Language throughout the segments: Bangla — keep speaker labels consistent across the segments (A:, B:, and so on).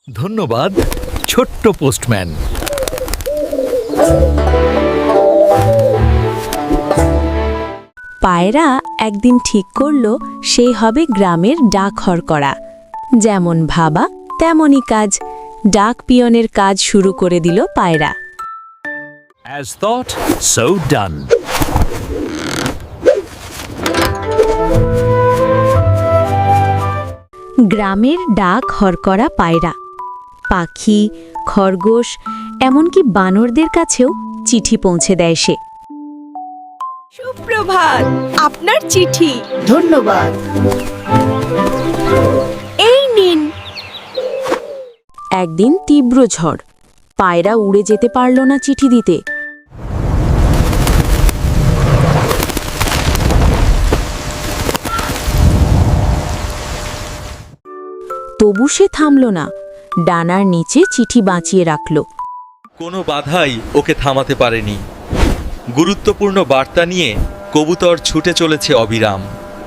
A: ধন্যবাদ ছোট্ট পোস্টম্যান।
B: পায়রা একদিন ঠিক করল সে হবে গ্রামের ডাকঘর করা। যেমন ভাবা তেমনই কাজ, ডাক পিয়নের কাজ শুরু করে দিল পায়রা।
A: As thought, so done.
B: গ্রামের ডাক হরকরা পায়রা, পাখি, খরগোশ, এমনকি বানরদের কাছেও চিঠি পৌঁছে দেয় সে।
C: সুপ্রভাত, আপনার চিঠি।
D: ধন্যবাদ।
C: এই নিন।
B: একদিন তীব্র ঝড়, পায়রা উড়ে যেতে পারল না চিঠি দিতে। তবু সে থামল না, ডানার নিচে চিঠি বাঁচিয়ে রাখল।
E: কোনো বাধাই ওকে থামাতে পারেনি। গুরুত্বপূর্ণ বার্তা নিয়ে কবুতর ছুটে চলেছে অবিরাম।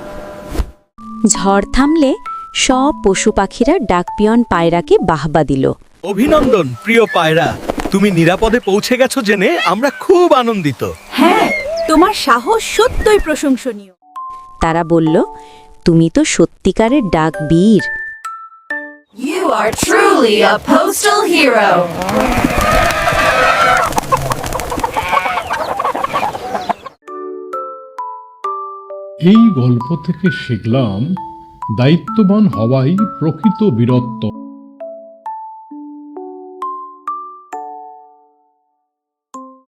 B: ঝড় থামলে সব পশু পাখিরা ডাকপিয়ন পায়রাকে বাহবা দিল।
A: অভিনন্দন প্রিয় পায়রা, তুমি নিরাপদে পৌঁছে গেছো জেনে আমরা খুব আনন্দিত।
C: হ্যাঁ, তোমার সাহস সত্যই প্রশংসনীয়।
B: তারা বলল, তুমি তো সত্যিকারের ডাকবীর।
D: You are truly a postal hero.
F: এই গল্প থেকে শিখলাম দায়িত্ববান হওয়াই প্রকৃত বীরত্ব।